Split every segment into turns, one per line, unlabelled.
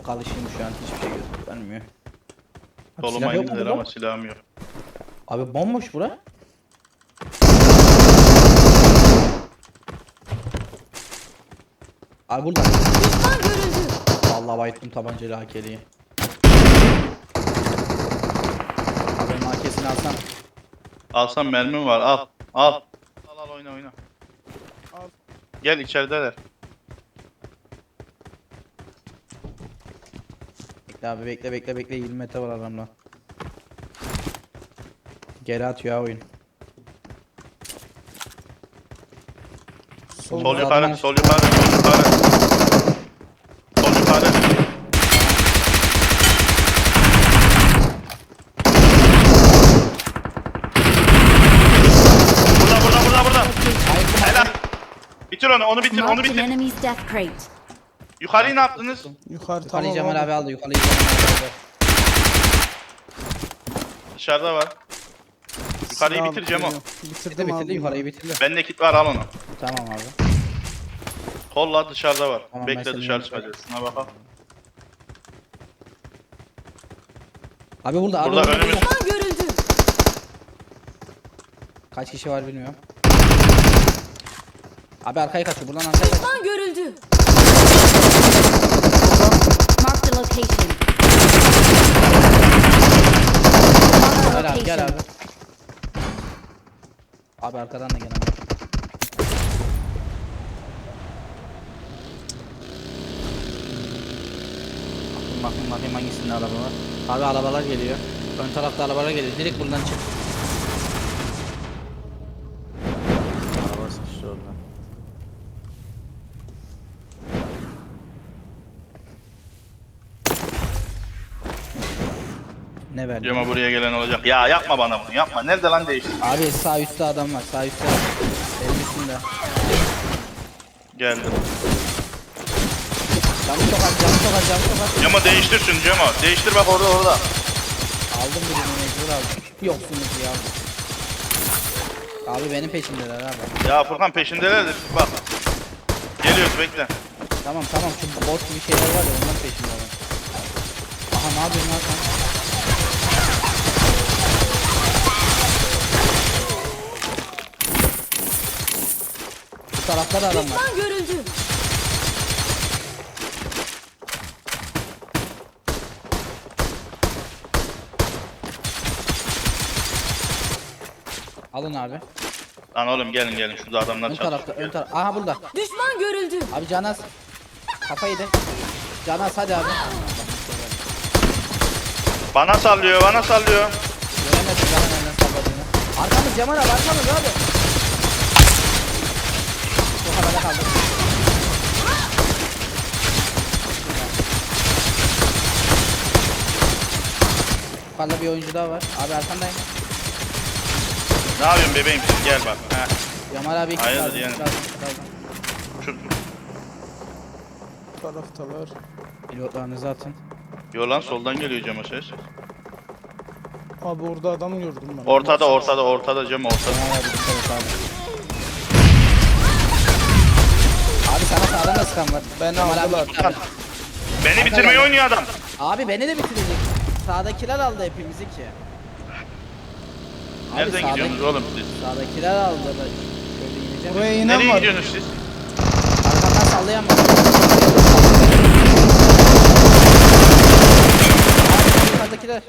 bozuk alışayım şu an hiçbir şey göstermiyor. Abi
Soluma
silah yok mu
indiler
burada?
ama silahım yok.
Abi bomboş bura. Abi burada.
Düşman görüldü.
Vallahi bayıttım tabancayla AK'liyi. Abi benim AK'sini alsam.
Alsam mermim var, al. Al. Al oyna oyna.
Al.
Gel içerideler.
Bekle abi bekle 20 metre var aramda. Geri atıyor ha oyun.
Sol
Zaten
yukarı,
aç-
sol yukarı, sol yukarı. Sol yukarı. Burada. Helal. Bitir onu bitir, onu
Marked an
bitir.
enemy's death crate.
Yukarıyı ne yaptınız?
Yukarı
Yukarıyı
tamam
Cemal
abi.
abi aldı. Yukarıyı Cemal abi aldı.
Dışarıda var. Yukarıyı
Silah
bitir Cemo.
Bitirdim
Bitirdi
abi.
yukarıyı bitirdi.
Bende kit var, al onu.
Tamam abi.
Kolla dışarıda var.
Tamam, ben
Bekle
senin
dışarı
yanına
çıkacağız. Şuna bakalım.
Abi burada
Burada önümüz.
Düşman görüldü.
Kaç kişi var bilmiyorum. Abi arkaya kaçıyor. Buradan arkaya kaçıyor.
Düşman görüldü. Marked a location. Marked a
Gel abi gel abi.
location.
Abi arkadan da gel abi. Bakayım hangisinde araba var. Abi arabalar geliyor. Ön tarafta arabalar geliyor. Direkt buradan çık. Araba sıkıştı orada. Ne verdi?
Cemo buraya gelen olacak. Ya yapma bana bunu, yapma. Nerede lan değişti?
Abi sağ üstte adam var. Sağ üstte. Benim üstümde.
Geldim.
Camı çok az.
Cemo değiştir şunu Cemo. Değiştir bak orada.
Aldım birini mecbur aldım. Yoksunuz ya. Abi benim peşimdeler abi.
Ya Furkan peşindeler de bak. Geliyoruz bekle.
Tamam şu bot gibi şeyler var ya ondan peşimdeler. Aha ne yapıyorsun lan sen? Bu tarafta da adam var.
Düşman görüldü.
Alın abi.
Lan oğlum gelin şurada adamlar
Ön
çatışıyor.
tarafta ön taraf. Aha burada.
Düşman görüldü.
Abi Canaz. Kafa yedi. Canaz hadi abi.
Bana sallıyor.
Göremedim Canaz nereden salladığını. Arkamız Cemal abi arkamız abi. Bu havada kaldık. Yukarıda bir oyuncu daha var. Abi arkandayım.
Ne yapıyorsun bebeğim sen gel bak. Heh.
Cemal abi iki
Hayırdır
lazım,
yani?
iki lazım.
Şu
Taraftalar.
Pilotlarınızı atın.
Yo lan soldan geliyor Cemo ses.
Abi orada adam gördüm ben.
Ortada Cemo ortada.
Cemal abi dikkat et abi. Abi sana sağdan da sıkan var.
Beni
Cemal abi
aldılar.
gitti abi.
Beni bitirmeyi oynuyor adam.
Abi beni de bitirecek. Sağdakiler aldı hepimizi ki. Abi
Nereden gidiyorsunuz oğlum siz?
Sağdakiler aldı da şöyle ineceğim.
Buraya inen
Nereye
var.
gidiyorsunuz siz?
Arkamdan sallayamam. Abi yukarıdakiler.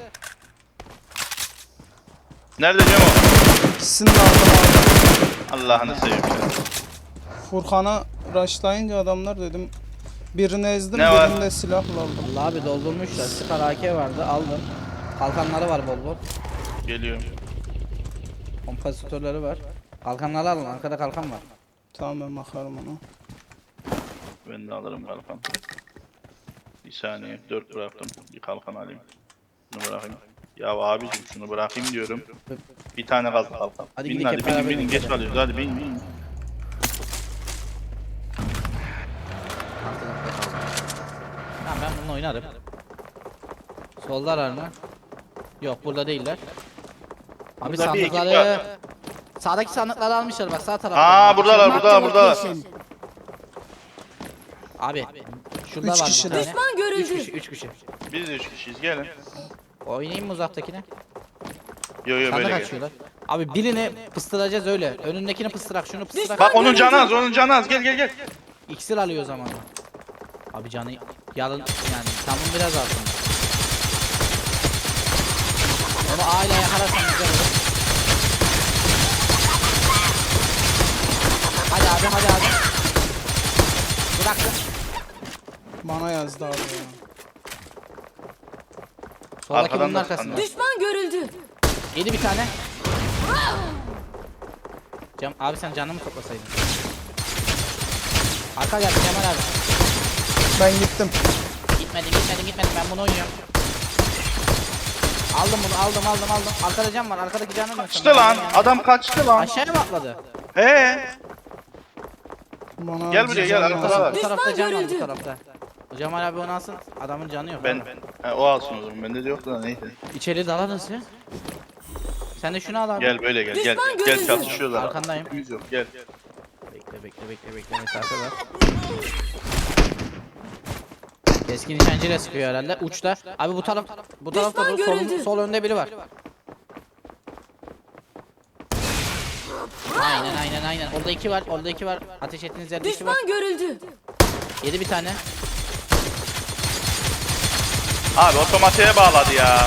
Nerede Cemo?
İkisini de aldım abi.
Allah'ını seveyim sen.
Furkan'a rushlayınca adamlar dedim. Birini ezdim,
Ne var?
birini de silahla aldım.
Allah abi doldurmuşlar. Sıkar AK vardı aldım. Kalkanları var bol bol.
Geliyorum.
Kompozitörleri var. Kalkanları alın. Arkada kalkan var.
Tamam ben bakarım ona.
Ben de alırım kalkan. Bir saniye 4 bıraktım. Bir kalkan alayım. Şunu bırakayım. Ya abicim şunu bırakayım diyorum. Bir tane kaldı kalkan.
Hadi
Binin
gidelim
hadi
hep
binin
beraber
binin geç
gidelim.
kalıyoruz hadi bin.
Tamam ben bununla oynarım. Soldalar mı? Yok burada değiller. Abi
Burada bir ekip
sandıkları...
var.
Sağdaki sandıkları almışlar bak sağ tarafta.
Buradalar
Marked a
buradalar.
location.
Abi Şurada
Üç
var bir
kişiler.
tane.
Düşman görüldü.
3 kişi 3 kişi.
Biz de 3 kişiyiz gelin.
Oynayayım mı uzaktakine?
Yo yo
Sana
böyle gel.
kaçıyorlar. Abi birini pıstıracağız öyle. Önündekini pıstırak, şunu pıstırak.
Bak onun canı az, onun canı az. Gel gel gel.
İksir alıyor o zaman. Abi canı yalın yani tamam biraz alsın. Onu aile yakalarsan güzel olur. Hadi abi hadi abi. Bıraktım.
Bana yazdı abi ya.
Soldaki
Arkadan
bunun
da
arkasında.
sıkanlar.
Düşman görüldü.
Yedi bir tane. Abi sen canını mı toplasaydın? Arka geldi Cemal abi.
Ben gittim.
Gitmedim ben bunu oynuyorum. Aldım bunu aldım. Arkada cam var arkadaki canı mı?
Kaçtı lan. Adam kaçtı lan.
Aşağıya mı atladı?
He.
Bana
Gel buraya, gel,
yazdı.
arkada var.
Bu tarafta
Düşman
can var bu
görüldü.
tarafta. O Cemal abi onu alsın adamın canı yok.
Ben
abi.
o alsın o zaman. Bende de yoktu da neyse.
İçeri dalarız ya. Sen de şunu al abi.
Gel böyle gel. Gel
Düşman
gel
görüldü.
çatışıyorlar.
Arkandayım.
Yüz yok gel.
Bekle mesafe var. Keskin nişancıyla sıkıyor herhalde uçta. Abi bu tarafta
Düşman
bu
görüldü.
sol önde biri var. Aynen. Orada iki var. Ateş ettiğiniz yerde iki var.
Düşman görüldü.
Yedi bir tane.
Abi otomatiğe bağladı ya.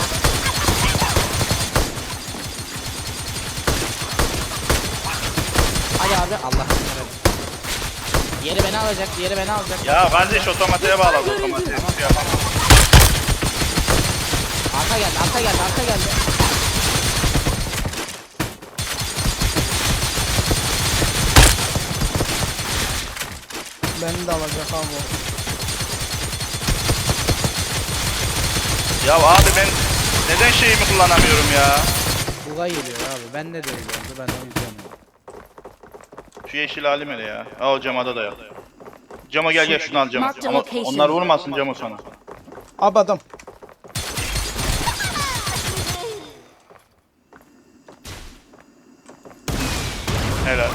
Hadi abi Allah. Diğeri beni alacak.
Ya kardeş otomatiğe bağladı otomatiğe. Hiçbir şey yapamam.
Arka geldi.
Beni de alacak abi o.
Ya abi ben neden şeyimi kullanamıyorum ya?
Buga geliyor abi. Bende de öyle oldu. Ben de izliyorum.
Şu yeşil halim hele ya. Aa o camada da yok. Cama gel şunu al cama.
Mark the
Ama
location.
onlar vurmasın cama sana.
Abi adam.
Helal.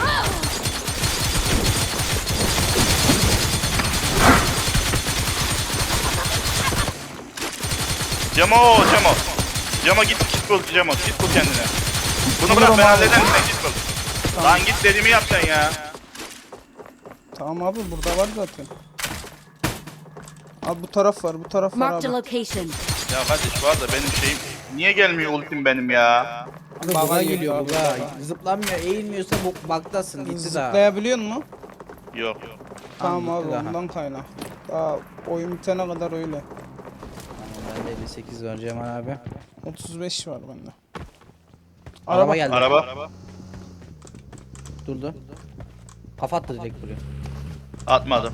Camo. Camo git bul Camo. Git bul kendine. Bunu bırak ben hallederim sen git bul. Lan git dediğimi yap sen ya.
Tamam abi burada var zaten. Abi bu taraf var
Marked a
abi.
location.
Ya kardeş var da benim şeyim niye gelmiyor ultim benim ya?
Abi
Baga
buga
geliyor
geliyor
abi,
buga.
baga.
Zıplanmıyor, eğilmiyorsa bu bug'dasın. Gitti daha.
Zıplayabiliyor musun?
Yok.
Tamam
Gitti
abi
daha.
ondan kaynak. Daha oyun bitene kadar öyle.
Bende 58 var Cemal abi.
35 var bende.
Araba geldi.
Araba.
Durdu. Kafa attı direkt buraya.
Atmadım.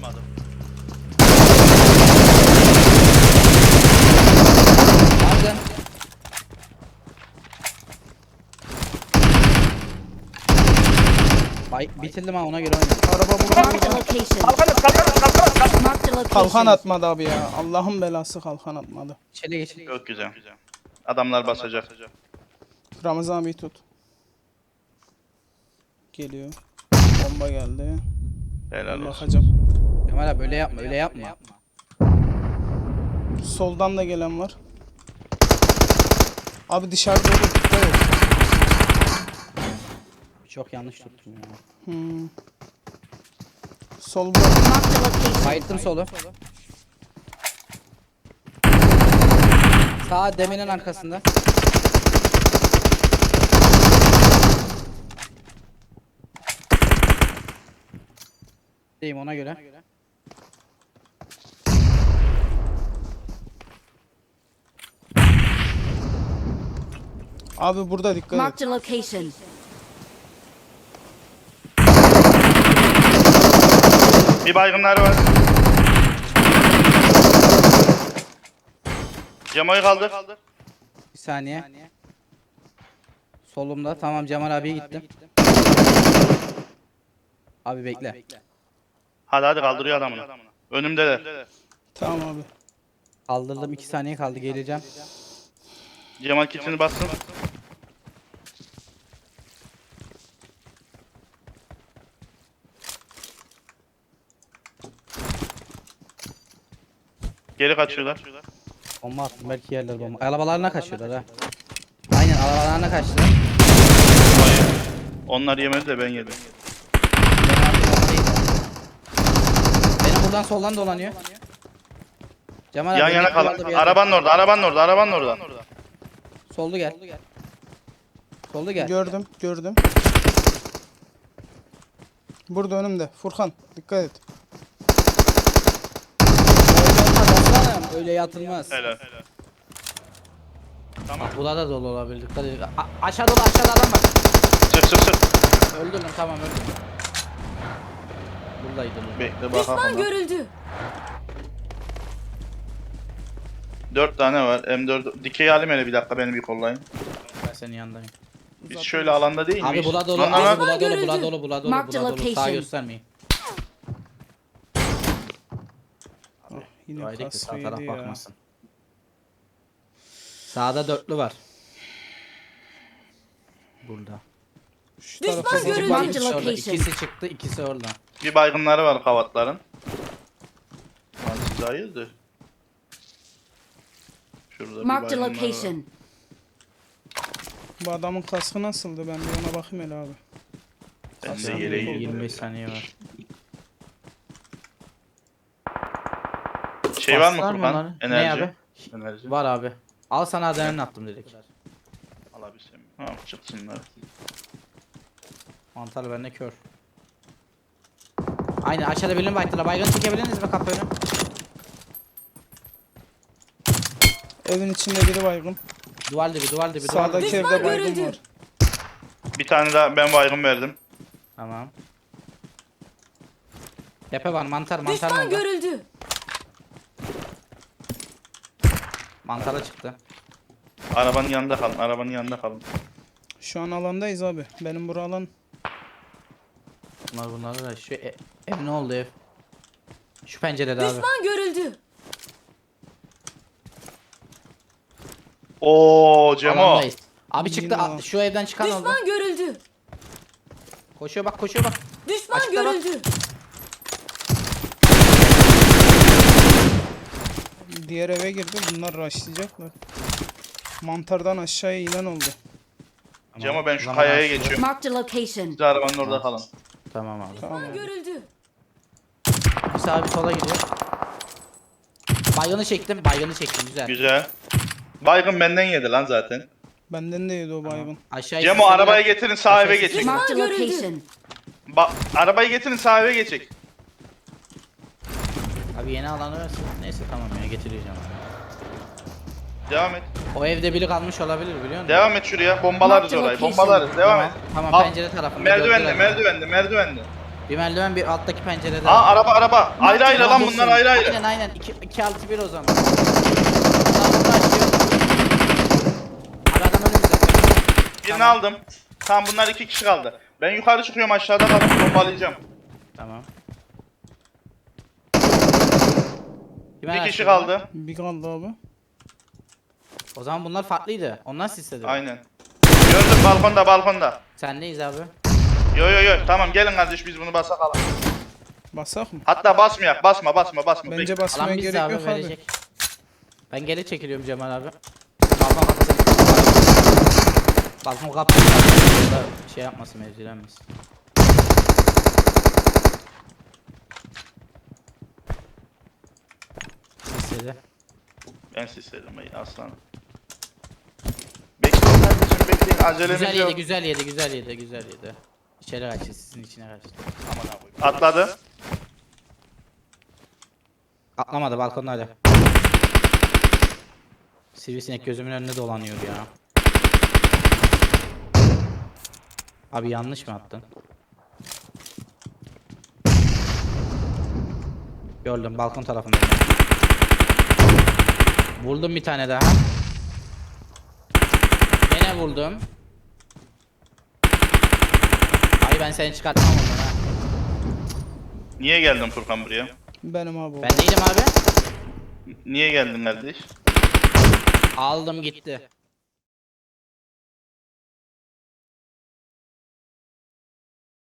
Aldın. Bitirdim ha ona göre oynayayım.
Araba burada.
Marked a location. Marked a
Kalkan
location.
atmadı abi ya. Allah'ın belası kalkan atmadı.
İçeri geç.
Çok güzel. Adamlar basacak.
Ramazan abi tut. Geliyor. Bomba geldi.
Helal olsun.
Bakacağım.
Cemal abi öyle yapma.
Soldan da gelen var. Abi dışarıda olur dikkat et.
Çok yanlış tuttum ya.
Sol bırak.
Marked a location.
Bayılttım solu. Sağ deminin arkasında. Deyim ona göre.
Abi burada dikkat et.
Marked a location.
Bir baygınları var. Camoyu kaldır.
Bir saniye. Solumda. Tamam Cemal abiye gittim. Abi bekle.
Hadi kaldırıyor adamını. Önümdeler.
Tamam abi.
Kaldırdım 2 saniye kaldı geleceğim.
Cemal kitini bastım. Geri kaçıyorlar.
Bomba attım belki yerler bomba. Arabalarına kaçıyorlar ha. Aynen arabalarına kaçtılar.
Hayır. Onlar yemedi de ben yedim.
Ben artık bombadayım. Benim buradan soldan dolanıyor. Cemal
Yan
abi,
yana
bekle, orada
kalın.
bir yerde.
Arabanın orada, arabanın orada, arabanın orada.
Soldu gel. Soldu gel.
Gördüm. Burada önümde. Furkan dikkat et.
Öyle olmaz aslanım. Öyle yatılmaz.
Helal. Tamam.
Burada da dolu olabilir. Dikkat edin. Aşağı dolu aşağıda adam var.
Sık.
Öldürdüm tamam öldürdüm. Buradaydı.
Bekle
Düşman
bakalım.
görüldü.
4 tane var. M4. Dikey alayım hele bir dakika, beni bir kollayın.
Ben senin yanındayım.
Biz şöyle alanda değil miyiz?
Abi bula dolu,
Lan, lan,
abi
lan.
bula dolu,
Görüldü.
bula dolu, bula dolu,
Mark the
bula dolu. Sağ
location.
göstermeyin.
Yine
Haydi ki sağ taraf
kasvıydı ya.
bakmasın. Sağda dörtlü var. Burada.
Şu
Düşman
tarafa
görüldü.
bak.
Mark
İkisi
the
orada,
location.
ikisi çıktı, ikisi orada.
Bir baygınları var kavatların. Lan siz hayırdır? Şurada bir
Mark the
baygınlar var.
location.
Bu adamın kaskı nasıldı? Ben bir ona bakayım hele abi.
Ben de
Sağ
yere
tarafta
girdim.
25 saniye var.
Şey var mı
Bastılar
Furkan?
bunları?
Enerji.
Ne abi?
Enerji.
Var abi. Al sana adrenalin attım direkt.
Alabilsem. Tamam çıksınlar.
Mantarlı bende kör. Aynen aşağıda birini baktılar. Baygın çekebiliriz mi kapı önü?
Evin içinde biri baygın.
Duvar dibi, duvar dibi, duvar
Sağdaki
dibi.
evde baygın
görüldü.
var.
Bir tane daha ben baygın verdim.
Tamam. Tepe var mantar, mantar
Düşman
mı?
görüldü.
Mantara çıktı.
Arabanın yanında kalın. Arabanın yanında kalın.
Şu an alandayız abi. Benim bura alan.
Bunlar da şu ev ne oldu ev? Şu pencerede abi.
Düşman görüldü.
Oo Cemo.
Alandayız. Abi çıktı
Yine alan.
şu evden çıkan oldu.
Düşman görüldü.
Koşuyor bak koşuyor bak.
Düşman
Açıkta bak.
görüldü.
Diğer eve girdi. Bunlar rushlayacaklar. Mantardan aşağıya inen oldu.
Cemo ben şu
Zaman
kayaya
açtı.
geçiyorum.
Mark the location.
Siz arabanın orada kalın.
Tamam abi.
Tamam
Düşman
abi.
görüldü.
Bir sağa bir sola gidiyor. Baygını çektim, baygını çektim güzel.
Güzel. Baygın benden yedi lan zaten.
Benden de yedi o baygın.
Aşağı
Cemo
ikisi
arabayı
bile-
getirin sağ eve
Aşağı
geçin.
Mark the Düşman görüldü. location.
Arabayı getirin sağ eve geçin.
Abi yeni alanı versin. Neyse tamam ya getireceğim abi.
Devam et.
O evde biri kalmış olabilir biliyor musun?
Devam et şuraya. Bombalarız
Mark the
orayı.
location.
Bombalarız. Devam
Tamam,
et.
tamam
Al.
pencere tarafında.
Merdivende,
gördüler.
merdivende.
Bir merdiven bir alttaki pencerede.
Aa araba. Ayrı ayrı lan bunlar ayrı ayrı.
Aynen 2-6-1 o zaman. Sağında açıyor. Abi adam önümüzde.
Birini
Tamam.
aldım. Tamam bunlar 2 kişi kaldı. Ben yukarı çıkıyorum, aşağıda kalıp bombalayacağım.
Tamam.
Bir kişi kaldı.
Bir kaldı abi.
O zaman bunlar farklıydı. Onlar sisledi.
Aynen. Gördüm balkonda.
Sendeyiz abi.
Yo. Tamam gelin kardeş biz bunu basakalım.
Basak mı?
Hatta basmayak. Basma.
Bence
Bekle.
basmaya
Alan bizde
gerek
abi
yok abi.
verecek. Ben geri çekiliyorum Cemal abi. Balkon kapısı. Balkon kapısı. Da şey yapmasın mevzilenmesin. Sisledi.
Ben sisledim aslanım. Bekleyin kardeşim bekleyin. Acelemiz
Güzel
yok.
yedi, güzel yedi. İçeri kaçtı, sizin içine kaçtı.
Atladı.
Atlamadı balkonda hala. Sivrisinek gözümün önünde dolanıyor ya. Abi yanlış mı attın? Gördüm balkon tarafında. Vurdum bir tane daha. Gene vurdum. Ay ben seni çıkartmam ondan ha.
Niye geldin Furkan buraya?
Benim abi o.
Ben değilim abi.
Niye geldin kardeş?
Aldım gitti.